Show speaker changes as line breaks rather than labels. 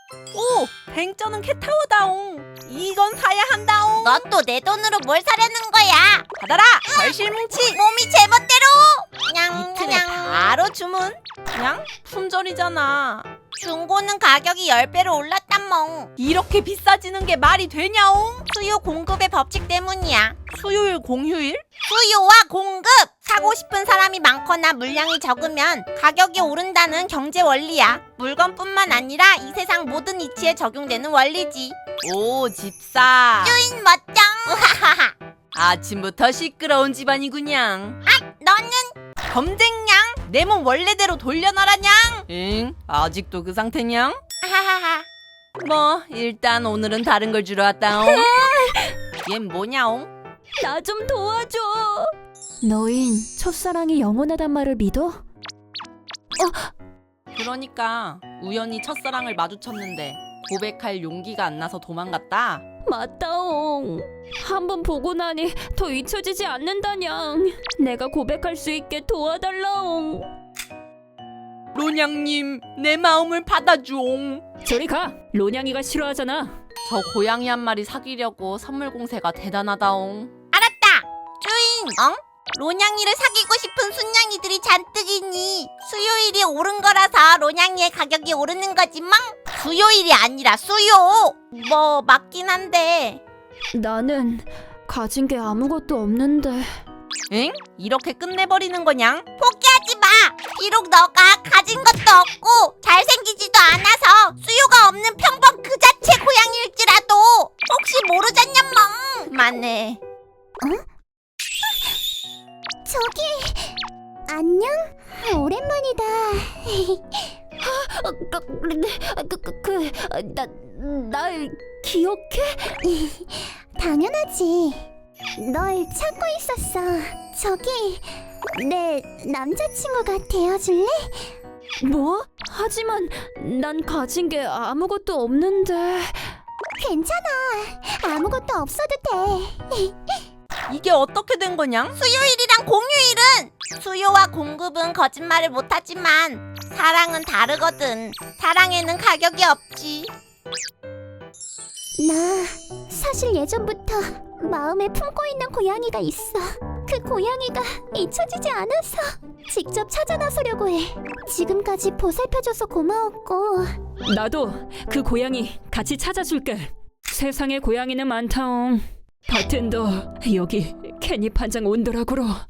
오! 뱅쩌는 캣타워다옹. 이건 사야 한다옹.
너 또 내 돈으로 뭘 사려는 거야?
받아라! 걸실뭉치!
몸이 제멋대로!
이틀에
그냥
바로 주문. 그냥 품절이잖아.
중고는 가격이 10배로 올랐단멍.
이렇게 비싸지는 게 말이 되냐옹?
수요 공급의 법칙 때문이야.
수요일 공휴일?
수요와 공급! 사고 싶은 사람이 많거나 물량이 적으면 가격이 오른다는 경제 원리야. 물건뿐만 아니라 이 세상 모든 이치에 적용되는 원리지.
오, 집사.
주인 멋쩡! 우하하하.
아침부터 시끄러운 집안이구냥.
너는
검쟁냥? 내 몸 원래대로 돌려놔라냥? 응? 아직도 그 상태냥?
하하하.
뭐 일단 오늘은 다른 걸 주러 왔다옹. 얜 뭐냐옹?
나 좀 도와줘. 너흰 첫사랑이 영원하단 말을 믿어?
그러니까 우연히 첫사랑을 마주쳤는데 고백할 용기가 안 나서 도망갔다?
맞다옹. 한번 보고 나니 더 잊혀지지 않는다냥. 내가 고백할 수 있게 도와달라옹.
로냥님 내 마음을 받아주옹.
저리 가. 로냥이가 싫어하잖아.
저 고양이 한 마리 사귀려고 선물 공세가 대단하다옹.
알았다. 주인, 로냥이를 사귀고 싶은 순냥이들이 잔뜩이니 수요일이 오른 거라서 로냥이의 가격이 오르는 거지만 수요일이 아니라 수요. 뭐 맞긴 한데.
나는 가진 게 아무것도 없는데.
응? 이렇게 끝내버리는 거냥?
포기하지 마. 비록 너가 가진 것도 없고 잘생기지도 않아서 수요가 없는 평범 그 자체 고양이일지라도 혹시 모르잖냐멍. 그만해.
저기 안녕? 오랜만이다.
날 기억해?
당연하지. 널 찾고 있었어. 저기 내 남자친구가 되어줄래?
뭐? 하지만 난 가진 게 아무것도 없는데.
괜찮아. 아무것도 없어도 돼.
이게 어떻게 된 거냥?
수요일이랑 공휴일은 수요와 공급은 거짓말을 못하지만 사랑은 다르거든. 사랑에는 가격이 없지.
나 사실 예전부터 마음에 품고 있는 고양이가 있어. 그 고양이가 잊혀지지 않아서 직접 찾아 나서려고 해. 지금까지 보살펴줘서 고마웠고.
나도 그 고양이 같이 찾아줄게. 세상에 고양이는 많다옹. 버튼도 여기 캣닙 한 장 온도락으로.